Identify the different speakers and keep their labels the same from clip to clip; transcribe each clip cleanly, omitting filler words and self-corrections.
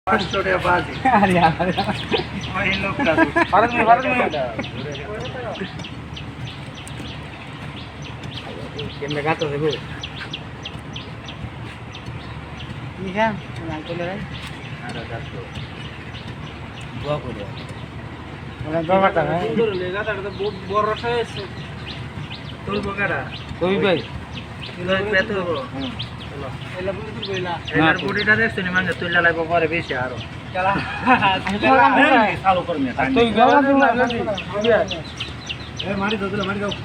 Speaker 1: 500 টাকা বাজি
Speaker 2: আরে আরে
Speaker 1: ওই লোকটা
Speaker 2: ভারত মে কেমনে গাতো দেবো কি হ্যাঁ না চলে যাই
Speaker 1: আরে গাতো
Speaker 2: দোয়া করে ওরা দোয়াটা হ্যাঁ
Speaker 1: সুন্দর লেগাটা তো বহুত বড় রসা আছে তোর বগাড়া
Speaker 2: কই ভাই
Speaker 1: কিলো পেতে হবো এলা বলি তুই কইলা এলার বডিটা দেখছ নি মানে তুই লাগাইবো পরে বেশি আরো চালা চালু করমে
Speaker 2: তুই গলা দিও না
Speaker 1: এ মারি দাও মারি দাও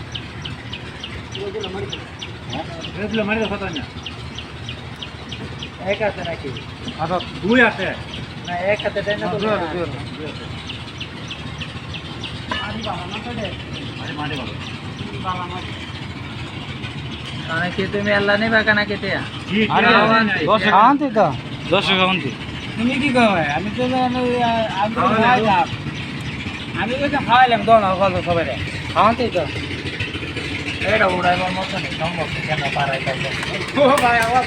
Speaker 1: মারি দাও কত না এক আছে নাকি
Speaker 2: আচ্ছা
Speaker 1: দুই আছে না এক হাতে দেন না তো মারি বাবা না তো দে মারি বাবা বাবা মারি
Speaker 3: কি তুমি আল্লাহ নেবা কানা কেতে
Speaker 2: আরে শান্তি তো 10 শান্তি
Speaker 1: তুমি কি কও আমি তো
Speaker 2: আমি তো খাইলাম দোন খাওয়া সবাই শান্তি তো
Speaker 3: এটা উড়াইবার মতো নেই সম্ভব কেন পারাই থাকবে
Speaker 1: ও ভাই আওয়াজ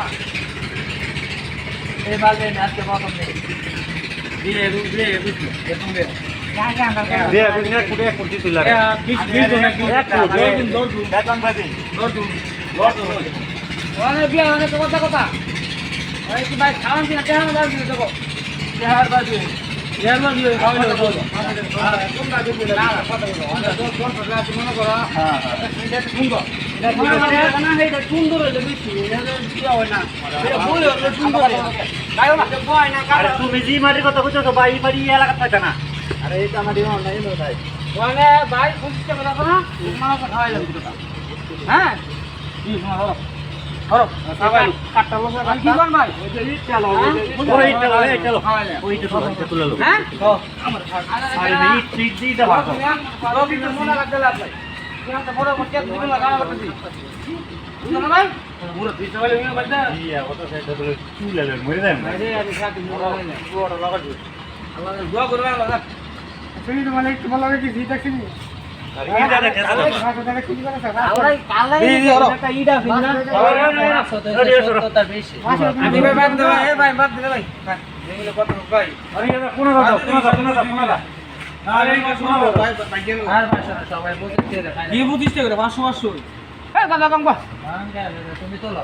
Speaker 3: এই বাজে আজকে মতন নেই
Speaker 1: দিয়ে বুঝলো এরকম দে
Speaker 2: দে বুঝনা কুড়ে কুড়ি তুইলা রে
Speaker 1: 20 জন নাকি এক দৌড় দু বেতন বাজে দৌড় দু
Speaker 2: ওরে বিয়া মানে তো কথা ওই কি ভাই খাওয়ান দিনা কেমন লাগছে দেখো
Speaker 1: বিহার বাজে
Speaker 2: ইয়ার মধ্যে খাওয়াইলো তো
Speaker 1: তোমরা দিবে না কথা বলো আমরা দৌড় পড়লা তুমি মনে করো
Speaker 3: হ্যাঁ
Speaker 1: এটা সুন্দর এটা না এটা সুন্দর হইলো বেশি এটা কি হয় না এটা বলে হলো সুন্দর গায়ো না কই না
Speaker 3: আরে তুমি জি মাটির কথা কইছো তো ভাই বাড়ি এলাকা থাকে না
Speaker 1: আরে এটা আমার দিও না এলো ভাই
Speaker 2: মানে ভাই খুঁজতে কথা না তোমার খাওয়াইলাম দুটো হ্যাঁ কি শোনো হরো সবাই কাটটা বসে কি কোন ভাই
Speaker 1: ওই যে ইট চালো
Speaker 3: ওই চলো ওইটা তুলে লো
Speaker 2: হ্যাঁ
Speaker 3: আমার আরে ইট দি দাও
Speaker 2: রবি তো মনে লাগতে লাগলাই তুমি তো বড় করতে দিবেন না গানা করতে বুঝছো ভাই
Speaker 1: পুরো দুই সবাই মিলে বাজা
Speaker 3: ইয়া কত সাইড ধরে তুলে লে মরে যায়
Speaker 1: আরে আমি সাথে মোড়া হয় না
Speaker 2: বড় লাগাই আল্লাহ দোয়া করবে আল্লাহ তুমি তো মানে একটু ভালো লাগে কি দেখছি
Speaker 3: আরে কি দাদা কেন
Speaker 2: আমরা কালাই একটা ইডা ফিনা
Speaker 3: তার বেশি
Speaker 2: আমি ভাই বাদ দেবা এ ভাই বাদ দে ভাই এগুলো কত ভাই
Speaker 1: আরে এটা কোন দাও আরে এটা শোনো ভাই ভাই গেল
Speaker 3: আর ভাষা সবাই বুঝতে দেখায়
Speaker 2: কি বুঝিস করে 500 এ দাদা কাম কর
Speaker 3: তুমি তোলো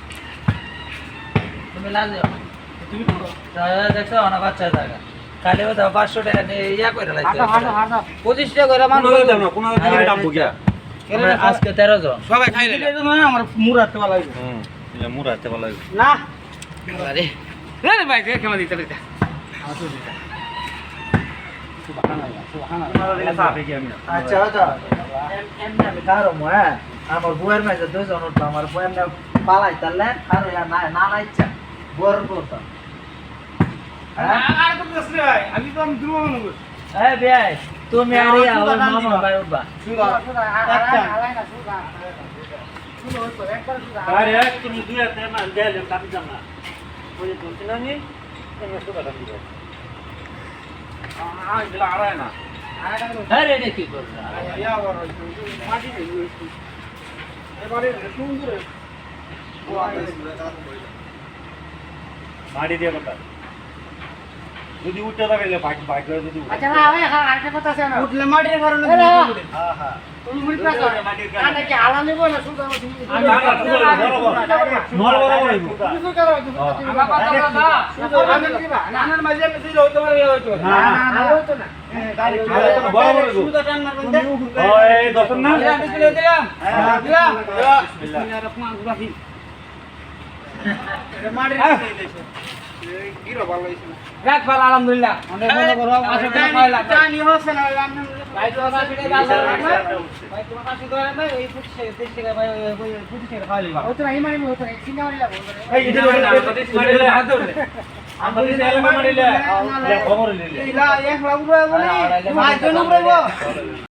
Speaker 3: তুমি লাল যাও
Speaker 2: তুমি করো
Speaker 3: দেখছো না বাচ্চা জায়গা কালে ও 500 টাকা নিয়ে ইয়া করে লাগছে
Speaker 2: হাঁটা হাঁটা 25 টাকা করে মানুষ
Speaker 1: দাও না কোন দিকে দাম বুঝা
Speaker 3: আমরা আজকে 13 জন
Speaker 2: সবাই খাইলে না আমার মুরাতে ভালো লাগে
Speaker 3: ইয়া মুরাতে ভালো লাগে
Speaker 2: না
Speaker 3: আরে
Speaker 2: রে ভাই দেখে কেমন দিতে দিতে
Speaker 3: আচ্ছা আচ্ছা এমনি আমি কারো মা আমার বউয়ের মাঝে দুজন উঠলো আমার বউয়ের না পালাই তাহলে আর না না না ইচ্ছা বউয়ের বলতো
Speaker 2: আর তো প্রশ্ন ভাই আমি তো আমি দুর্বল মনে করি
Speaker 3: এই ভাই তুমি আর ইয়া ওর মামা ভাই উঠবা
Speaker 2: সুদা একটা আলাই না সুদা
Speaker 1: আরে তুমি দুই হাতে না দেলে কাটি দাও না ওই যে বলছিস না নি তুমি সুদা দাম দিও এগুলো আড়ায় না
Speaker 3: আরে এটা কি করছ
Speaker 2: মাটি এবারে সুন্দর
Speaker 1: মাটি দিয়ে কথা যদি উঠে লাগাইলে বাইক করে যদি
Speaker 2: আচ্ছা না ভাই আরেকটা কথা আছে না উঠলে মাটির কারণে
Speaker 1: হ্যাঁ হ্যাঁ
Speaker 2: তুমি মুড়ি পাকা কানে কি আলা নেব না সুদা তুমি
Speaker 1: বড় বড়
Speaker 2: তুমি করো আমার কথা দাদা আমি দিবা নানার মাঝে আমি দিলে হইতো পারে হইতো না না হইতো না গাড়ি
Speaker 1: বড় বড়
Speaker 2: সুদা টান না বন্ধে
Speaker 1: ওই দশন না
Speaker 2: দিলাম দিলাম দিলাম বিসমিল্লাহির রহমানির রহিম মাটির গিরো ভালো হইছে না রাখ ভালো আলহামদুলিল্লাহ অনেক ভালো করো আসলে খাইলাম জানি হচ্ছে না ভাই তো আমার পিঠে গাল ভাই তোমার কাছে ধরে না এই 25 টাকা ভাই ওই 25 টাকা খাইলি বা ওতো না ইমানি হতো না চিন্তা মারি লাগো
Speaker 1: এই এটা মারিলে হাত ধরে আমরা দিলে এলা মারিলে খবর নিলে
Speaker 2: ইলা এক লাখ বলে ভাই জন বলবো